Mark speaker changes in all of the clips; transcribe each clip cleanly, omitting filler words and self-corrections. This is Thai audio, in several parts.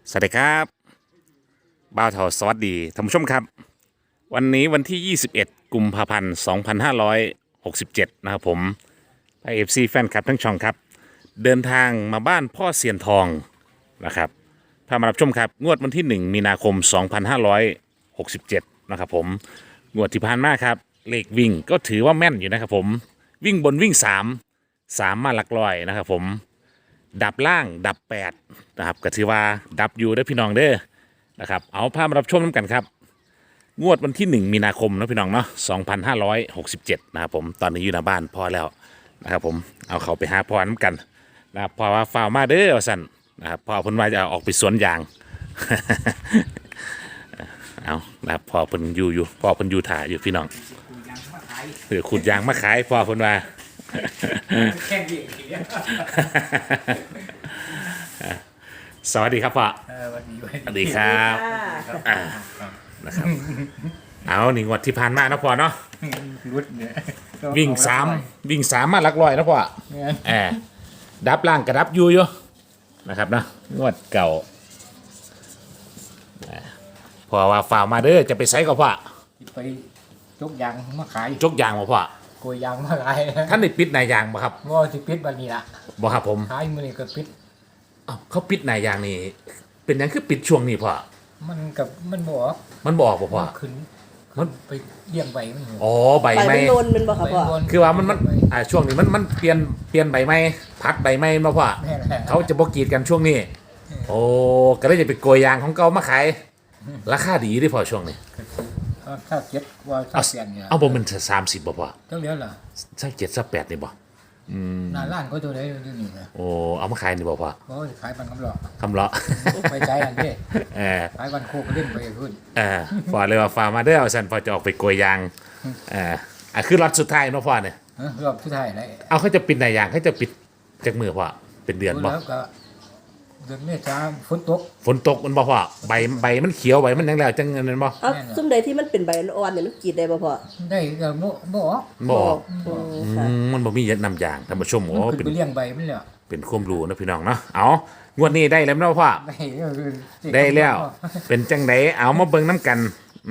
Speaker 1: สวัสดีครับบ่าวเทาสวัสดีท่านผู้ชมครับวันนี้วันที่ 21 กุมภาพันธ์ 2567 นะครับผมไอเอฟซีแฟนคลับทั้งช่องครับเดินทางมาบ้านพ่อเสียนทองนะครับพามารับชมครับงวดวันที่ 1 มีนาคม 2567 นะครับผมงวดที่ผ่านมาครับเลขวิ่งก็ถือว่าแม่นอยู่นะครับผมวิ่งบนวิ่ง 3 มาหลักร้อยนะครับผม ดับล่างดับ8นะครับก็ถือว่าดับอยู่ได้อพี่น้องเด้อนะครับเอาภาพมารับชมน้ำกันครับงวดวันที่ 1 มีนาคมนะพี่น้องเนาะ2567นะครับผมตอนนี้อยู่หน้าบ้านพ่อแล้วนะครับผมเอาเขาไปหาพ่อน้ำกันนะครับพ่อว่าฝ่าวมาเด้อสั่นนะครับพ่อเพิ่นว่าจะออกไปสวนยาง เอานะครับพ่อเพิ่นอยู่พ่อเพิ่นอยู่ถ่ายอยู่พี่น้องหรือขุดยางมาขายพ่อเพิ่นว่า
Speaker 2: แข่งวิ่งทีเดียว
Speaker 1: สวัสดีครับพ่อ
Speaker 2: วันนี้
Speaker 1: สวัสดีครับนะครับเอาหนึ่งวันที่ผ่านมานะพ่อเนาะ
Speaker 2: รุดเนี่ย
Speaker 1: วิ่งสามมาหลักร้อยนะพ่อแอบดับล่างกระดับอยู่นะครับนะงวดเก่าพอว่าฝ่าวมาเด้อจะไปไซก็พ่อ
Speaker 2: ไปจกยางมาขาย
Speaker 1: จกยางมาพ่อ
Speaker 2: โกยยางมาขาย
Speaker 1: ท่านได้ปิดนายยางบ่ครับ
Speaker 2: ว่าที่ปิดวันนี้ละ
Speaker 1: บ่ครับผม
Speaker 2: ขายมือนี่ก็ปิด
Speaker 1: อ้าวเขาปิดนายยางนี่เป็นหยังคือปิดช่วงนี้พ่อ
Speaker 2: มันบอก
Speaker 1: มันบอกบ่พ่อ
Speaker 2: ขึ้น
Speaker 1: มัน
Speaker 2: ไปเลี้ยงใบมัน
Speaker 1: อ๋อใบ
Speaker 3: ไป
Speaker 1: ไม้
Speaker 3: มันโดนมันบอกครับพ่อ
Speaker 1: คือว่ามันช่วงนี้มันเปลี่ยนใบไม้พักใบไม้มาพ่อ
Speaker 2: แม่แหละ
Speaker 1: เขาจะบกรีดกันช่วงนี้ โอ้ก็เลยจะไปโกยยางของเก่ามาขายราคาดีด้วยพอช่วงนี้
Speaker 2: ถ้าเก็บว่าถ้าเสียนเนี่ย
Speaker 1: เอาบ่มัน30บ่พอ
Speaker 2: เท่าเดียวเหรอ
Speaker 1: สัก7สัก8นี่บ่
Speaker 2: หน้าร้านก็ตัวไหนอยู่นี่นะ
Speaker 1: โอ้เอามาขายนี่บ่พอ
Speaker 2: เพราะขายปันกำลัง
Speaker 1: คำเลาะ
Speaker 2: ไปใช้อันนี้
Speaker 1: เออ
Speaker 2: ขายวันโคกก็เล่นไปขึ้น
Speaker 1: พอเลยว่าฟาร์มาเด้อเอาซั่นพอจะออกไปโกยยางคือล็อตสุดท้ายเนาะพ่อเนี่ย
Speaker 2: รอบสุดท้ายเลย
Speaker 1: เอาเขาจะปิดไหนยางเขาจะปิดจากมือพ่อเป็นเดือนบ่
Speaker 2: แล้วก็เดือนเมษาฝนตก
Speaker 1: ฝนตกมันบ่พ่อใบมันเขียวใบมันยังแล้วจังเงินนั้นบ่
Speaker 3: เอาซุ่มใดที่มันเป็นใบอ่อนๆเนี่ยมันกรีดได้ป่ะพ่อ
Speaker 2: ได้ก็บ่ออก
Speaker 1: บ่
Speaker 3: ค่ะ
Speaker 1: มันบ่มีเยอะนำยางท่านผู้ชมโอ้
Speaker 2: มัน
Speaker 1: เป็
Speaker 2: ขึ้
Speaker 1: น
Speaker 2: นไปเลี้ยงใบมันเลย
Speaker 1: เป็นความรู้นะพี่น้องเนาะเอางวดนี้ได้แล้วเนาะพ่อ
Speaker 2: ได้
Speaker 1: ได้แล้ว เป็นจังไดเอามาเบิ่งน้ำกัน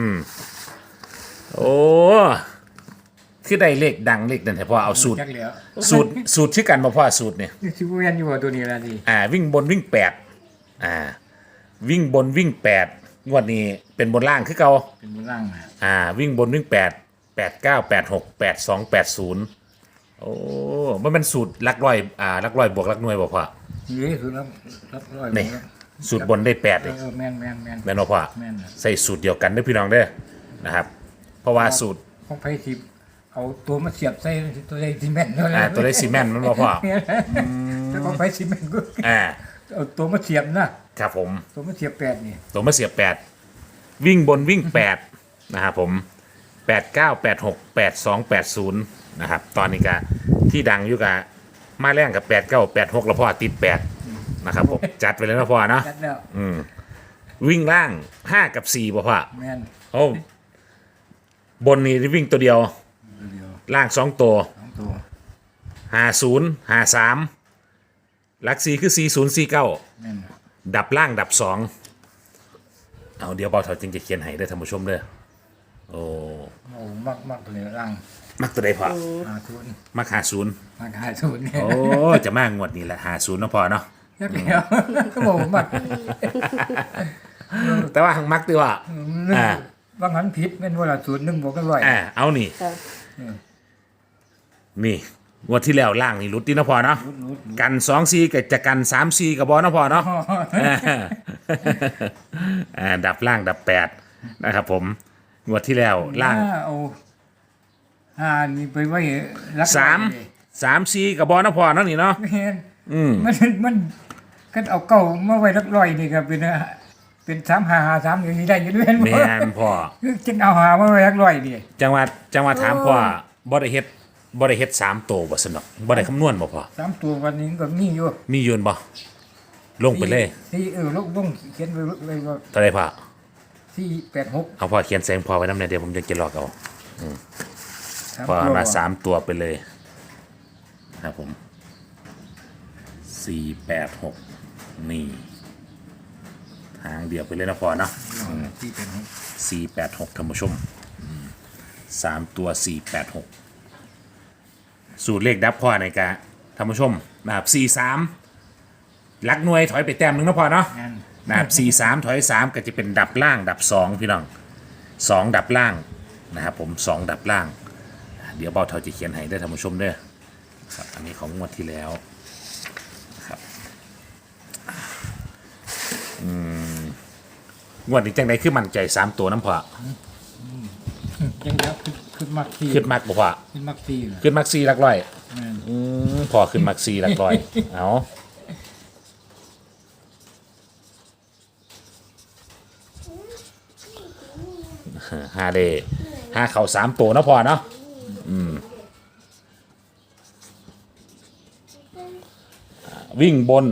Speaker 1: โอ้คือได้เลขดังเลขนั่นแหละพ่อเอาสูตร
Speaker 2: จักเหลียว
Speaker 1: สูตรชื่อกันบ่พ่อสูตรเนี่ย
Speaker 2: ชิวเวียนอยู่ว่าตัวนี้ละดิ
Speaker 1: วิ่งบนวิ่ง8วิ่งบนวิ่ง8งวดนี้เป็นบนล่างคือเก่า
Speaker 2: เป็นบนล่างนะ
Speaker 1: วิ่งบนวิ่ง8 8 9 8 6 8 2 8 0โอ้มันเป็นสูตรหลักร้อยหลักร้อยบวกหลักหน่วยบ่พ่อ
Speaker 2: นี่คือรับร้อย
Speaker 1: นี่สูตรบนได้8เลย
Speaker 2: แม่น
Speaker 1: แม่นบ่พ่อ
Speaker 2: แม่นน่ะ
Speaker 1: ใส่สูตรเดียวกันเด้อพี่น้องเด้อนะครับ เพราะว่าสูตร
Speaker 2: ของไผ่ทิพเอาตัวมาเสียบใส่ตัวใส่ซีเมนต์
Speaker 1: ตัวได้ซีเมนต์มันบ่พ่อ
Speaker 2: แต่ของไผ่ซีเมนต์ก็
Speaker 1: อ่า
Speaker 2: เอาตัวมาเสียบนะครับ
Speaker 1: ผม
Speaker 2: ตัวมาเสียบแปดนี่
Speaker 1: ตัวมาเสียบ8วิ่งบนวิ่ง8นะครับผม8 9 8 6 8 2 8 0นะครับตอนนี้ก็ที่ดังอยู่กับมาแรงกับ8 9 8 6แล้วพ่อติด8นะครับผมจัดไปเลยนะพ่อเนาะ
Speaker 2: จัดแล้ว
Speaker 1: วิ่งล่าง5กับ4บ่พ่อ
Speaker 2: แม่น
Speaker 1: โอ้บนนี่วิ่งตัวเดียว
Speaker 2: เดียว
Speaker 1: ล่าง2ตัว
Speaker 2: สองตัว
Speaker 1: 50 53หลัก4คือ40 49
Speaker 2: แม่นน่ะ
Speaker 1: ดับล่างดับ2เอาเดี๋ยวเบาเถาจึงจะเขียนให้ได้อท่านผู้ชมเด้อโอ้
Speaker 2: โอ้มากตัวนี้ล่าง
Speaker 1: มักตัวใดพอ
Speaker 2: 50
Speaker 1: มัก50
Speaker 2: มาก50เนี่ย
Speaker 1: โอ้จะมางวดนี้แหละ50เนาะพอเนาะ
Speaker 2: จักเหลียวก็บอกมาก
Speaker 1: แต่ว่าหังมักดีว่า
Speaker 2: บางหันผิดแม่นว่าละ01บวกกันร้อย
Speaker 1: เอานี่
Speaker 3: ค่ะ
Speaker 1: นี่งวดที่แล้วล่างนี่รุดดีเนาะพอเนาะ
Speaker 2: รุด
Speaker 1: กัน2 4กับจะกัน3 4กับบอเนาะพอเนาะดับล่างดับ8นะครับผมงวดที่แล้วล่าง
Speaker 2: เอานี่ไปไว้รัก
Speaker 1: 3 4กับบอเนาะพอเนาะนี่เนาะ
Speaker 2: แม่นมันก็เอาเก่ามาไว้รักร้อยนี่ก็เป็น3553อย่างนี้ได้อยู่ด้วย
Speaker 1: แม่นพ่อ
Speaker 2: จึงเอาหามาไว้รักร้อยนี่
Speaker 1: จังหวัดถามพ่อบ่ได้เฮ็ด3 ตัวบ่สนอกบ่ได้คำนวณบ่พ่อ
Speaker 2: 3ตัววันนี้ก็มีอยู่
Speaker 1: มียืนบ่ลงไปเลย
Speaker 2: ที่ลงเขียนไว้ว่า
Speaker 1: เท่าไรพ่อ
Speaker 2: 486
Speaker 1: เอาพ่อเขียนแสงพอไว้น้ำเนี่ยเดี๋ยวผมจะเก็บหลอกเอา พอ
Speaker 2: ตัว
Speaker 1: มา3 ตัวไปเลยครับผม4 8 6นี่เดียวไปเลยนะพอเนาะ
Speaker 2: ที่เป็นของ
Speaker 1: 486ท่านผู้ชม3 ตัว 486 สูตรเลขดับพ่อในกะท่านผู้ชมนะครับ43ลักหน่วยถอยไปแต้มหนึงนะพอเนาะ
Speaker 2: งาน
Speaker 1: นะครับ43ถอย3ก็จะเป็นดับล่างดับ2พี่น้อง2ดับล่างนะครับผม2ดับล่างเดี๋ยวเบาเท่าจะเขียนให้ได้อท่านผู้ชมเด้อครับอันนี้ของงวดที่แล้วครับงวดนี้จังไดคือมั่นใจ3ตัวน้ำพอ
Speaker 2: ยังแล้วขึ้นมักซี
Speaker 1: ขึ้นมักบ่พอ
Speaker 2: ขึ้นมักซีเหรอ
Speaker 1: ขึ้นมักซีหลักร้อย
Speaker 2: งาน
Speaker 1: พอขึ้นมักซีหลักร้อย เอาหาเดหาเข่า3ตัวเนาะพอเนาะวิ่งบน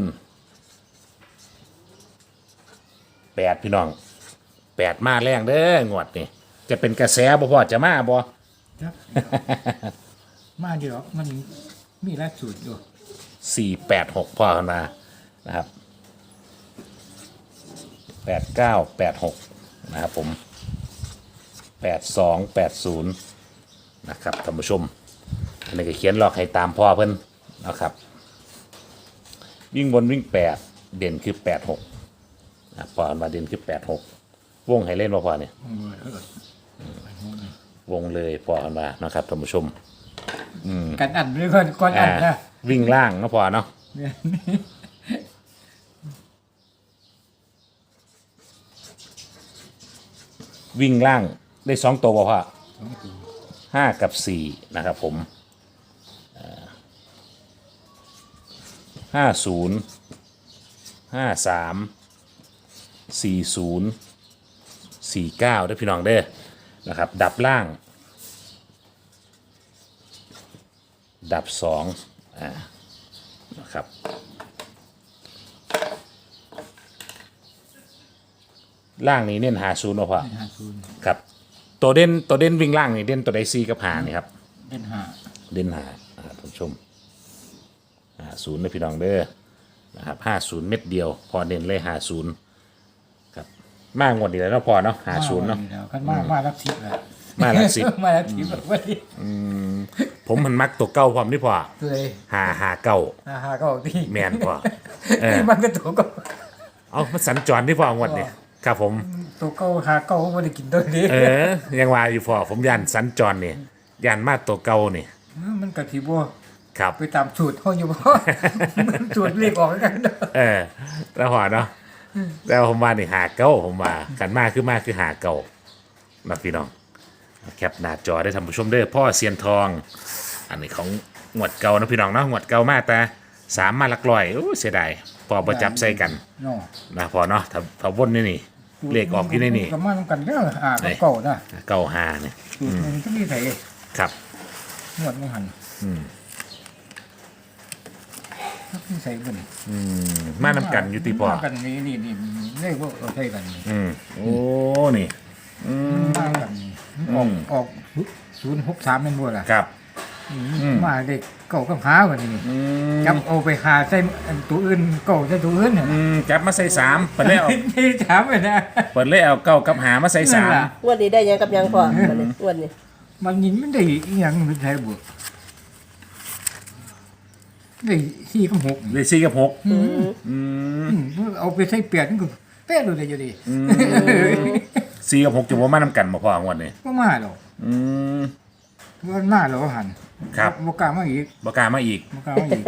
Speaker 1: 8พี่น้อง8มาแรงเด้องวดนี่จะเป็นกระแสบ่พอจะมาบ่
Speaker 2: ครับมาเดี๋ยวมันมีหลายสูตรอยู่
Speaker 1: 486พ่อกันมานะครับ8986นะครับผม8280นะครับท่านผู้ชมอันนี้ก็เขียนหลอกให้ตามพ่อเพิ่นนะครับวิ่งบนวิ่ง8เด่นคือ86นะพ่อกันมาเด่นคือ86วงให้เล่นบ่พ่อเนี่ย วงเลยพอกันมานะครับท่านผู้ชม
Speaker 2: กันอันด้วยก่อนอันนะ
Speaker 1: วิ่งล่างก็พอเนาะวิ่งล่างได้2ตัวพ่อ5กับ4นะครับผม50 53 40 49ได้อพี่น้องเด้อนะครับดับล่าง ดับ2นะครับล่างนี้เน้น50เนาะพ่อ
Speaker 2: 50
Speaker 1: ครับตัวเด่นวิ่งล่างนี่เด่นตัวไดซีกับหานี่ครับ
Speaker 2: เป็นห้า
Speaker 1: เด่นหาท่านผู้ชม50นะพี่น้องเด้อนะครับ50เม็ดเดียวพอเด่นเลย50ครับมากงวดนี้แล้วเนาะพอเนาะ50เนาะ
Speaker 2: กันมาลักทิพย์แล้ว
Speaker 1: มาหลักสิบ
Speaker 2: มาลักทิพย์แบบว่าดิ
Speaker 1: ผมมันมักตัวเก่าพร้อมนี่พอ
Speaker 2: เลย
Speaker 1: หาเก่า
Speaker 2: หาก็ที่
Speaker 1: แมนพอ
Speaker 2: มันก็ตัวเก็
Speaker 1: เอามาสัญจรที่พองวดนี่ครับผม
Speaker 2: ตัวเก่าหาเก่าไม่ได้กินตัวนี้
Speaker 1: ยังว่าอยู่พอผมยันสัญจรนี่ยันมาตัวเก่านี่
Speaker 2: มันกะทิบัว
Speaker 1: ครับ
Speaker 2: ไปตามสูตรเขาอยู่บ่ มันสูตรเรียกออกกันเด้อ
Speaker 1: แล้วพอเนาะแล้วผมมานี่หาเก่าผมมากันมาคือหาเก่านะพี่น้องแคปหน้าจอได้ท่านผู้ชมเด้อพ่อเซียนทอง อันนี้ของงวดเก่านะพี่น้องเนาะงวดเก่ามาแต่3มาหลักร้อยโอ้เสียดายพอประจับใส่กัน
Speaker 2: เนาะ
Speaker 1: นะพอเนาะถ้าวนนี่เลขออกอยู่ในนี่
Speaker 2: ก็มาทำกันเด้อเก่านะ
Speaker 1: เก่าหาเนี่ย
Speaker 2: สูตรมันก็มีไส
Speaker 1: ครับ
Speaker 2: นวดมันหันมีใส่เบิ่น
Speaker 1: มานำกันอยู่ตีพอ
Speaker 2: มากันนี่เลขว่าเราใช้กันนี่
Speaker 1: โอ้นี่
Speaker 2: มากันนี่ออก063แม่นบ่ล่ะ
Speaker 1: ครับ
Speaker 2: มาเด็กเก่ากับหาวันนี้จับเอาไปหาใส่ตัวอื่นเก่าใส่ตัวอื่นน่ะ
Speaker 1: จับมาใส่3เปิดเลยเอา
Speaker 2: ที่ถามไปนะ
Speaker 1: เปิดเลยเอาเก้ากับหามาใส่
Speaker 2: นั่นล่ะ
Speaker 3: งวันนี้ได้ยังกับยังพอวันนี้งวันนี้
Speaker 2: มันยินมันได้อีหยังมันใช้บ่ได้4กับ6
Speaker 1: เลย4กับ6
Speaker 2: เอาไปใส่8นี่ก็แป๊ะเลยอยู่ดิ
Speaker 1: 4กับ6จะบ่มานำกันบ่พองวดนี้
Speaker 2: บ่มาหรอกมันมาแล้วหัน
Speaker 1: ครับ
Speaker 2: บ่กล้ามาอีก
Speaker 1: บ่กล้ามาอีก
Speaker 2: บ่กล้ามาอีก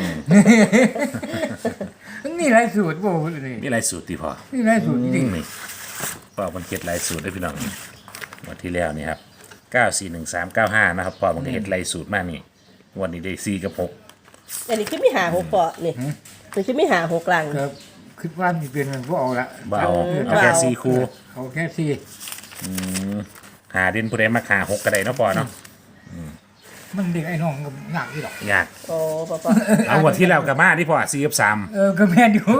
Speaker 2: นี่หลายสูตรบ่นี่
Speaker 1: มีหลายสูตรติพอ
Speaker 2: นี่หลายสูตรจริง
Speaker 1: นี่พอมันเก็ดหลายสูตรได้พี่น้องงวันที่แล้วนี่ครับ941395นะครับพอมันก็เฮ็ดหลายสูตรมากนี่งวันนี้ได้4กับ6
Speaker 3: อันนี้คือไม่หาหกพอนี่นี่คือไม่หาหกกลาง
Speaker 2: ก็คิดว่ามีเป็นมันบ่เอาละ
Speaker 1: บ่เอาเอาแค่4คู่
Speaker 2: เอาแค่สี่
Speaker 1: หาเด่นผู้ใดมาหา6ก็ได้เนาะพอเนาะ
Speaker 2: มันเด็กไอ้น้องก็ยากอยู่หรอก
Speaker 1: ยาก
Speaker 3: โอ้ปอ
Speaker 1: เอางวดที่แล้วก็มาที่พอ4กับ3
Speaker 2: ก็แม่นอยู่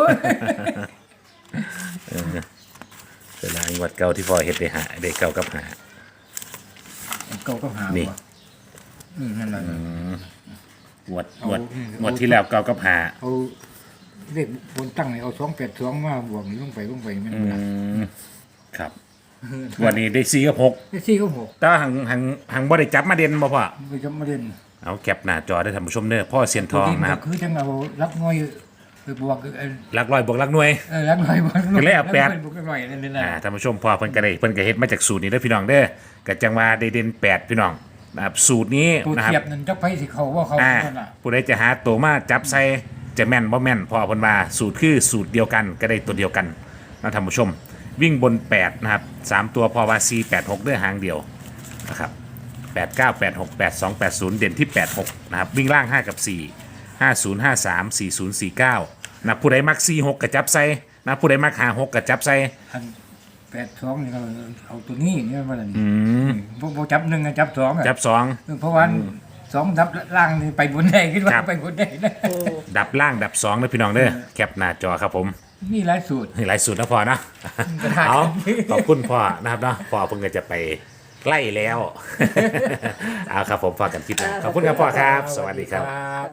Speaker 1: เวลางวดเก่าที่พอเฮ็ดได้หาได้เก่ากับหา
Speaker 2: เก่าก็หา
Speaker 1: นี่
Speaker 2: ว่ะนั่นแหละ
Speaker 1: งวดที่แล้วเก่ากับหา
Speaker 2: เอาเลขบนตั้งนี่เอา282มาบวกนี่ลงไปแม่น
Speaker 1: อื
Speaker 2: บ่ล่ะ
Speaker 1: มครับวันนี้ได้4กับ6
Speaker 2: ได้4กับ6
Speaker 1: แต่ว่าหังบ่ได้จับมาเด่นบ่พ่อ
Speaker 2: ไปจำมาเล่น
Speaker 1: เอาแคปหน้าจอได้ท่านผู้ชมเด้อพ่อเซียนทองนะครับ
Speaker 2: คือจังเอารักน้อยไปบวก
Speaker 1: หลักร้อยบวกหลักหน่วย
Speaker 2: รักน้อยบวก
Speaker 1: ก็เลยเอาแปด
Speaker 2: บวกน้อยนั่นเลยนะ
Speaker 1: ท่านผู้ชมพ่อเพิ่นก็ได้เพิ่นก็เฮ็ดมาจากสูตรนี้เด้อพี่น้องเด้อก็จังว่าได้เด่น8พี่น้องนะครับสูตรนี้
Speaker 2: ตัว
Speaker 1: นะครับ
Speaker 2: เทียบนั่นจักไปสิเขาว่าเขา
Speaker 1: อ่า
Speaker 2: นั่นน่ะ
Speaker 1: ผู้ใดจะหาตัวมาจับใส่จะแม่นบ่แม่นพ่อเพิ่นว่าสูตรคือสูตรเดียวกันก็ได้ตัวเดียวกันนะท่านผู้ชม วิ่งบน8นะครับ3ตัวพอว่า4 8 6เด้อหางเดียวนะครับ8 9 8 6 8 2 8 0เด่นที่8 6นะครับวิ่งล่าง5กับ4 50 53 40 49นะผู้ใดมัก4 6ก็จับใส่นะผู้ใดมัก5 6ก็จับใส่
Speaker 2: อัน82นี่เราเอาตัวนี้เนี่ยว่านั่นบ่จับ1จับ2อ่ะ
Speaker 1: จับ2
Speaker 2: เพราะว่า2ดับล่างนี่ไปบนได้คิดว่า
Speaker 1: ครับ
Speaker 2: ไปบนได้นะ
Speaker 1: ดับล่างดับ2นะพี่น้องเด้อแคปหน้าจอครับผม
Speaker 2: มีหลายสูตร
Speaker 1: หลายสูตรนะพ่อนะ
Speaker 2: กระดาษ
Speaker 1: เอาขอบคุณพ่อนะครับเนาะพ่อเพิ่งจะไปไล่แล้ว เอาครับผมฝากกันคลิปนะขอบคุณครับพ่อครับ สวัสดีครับ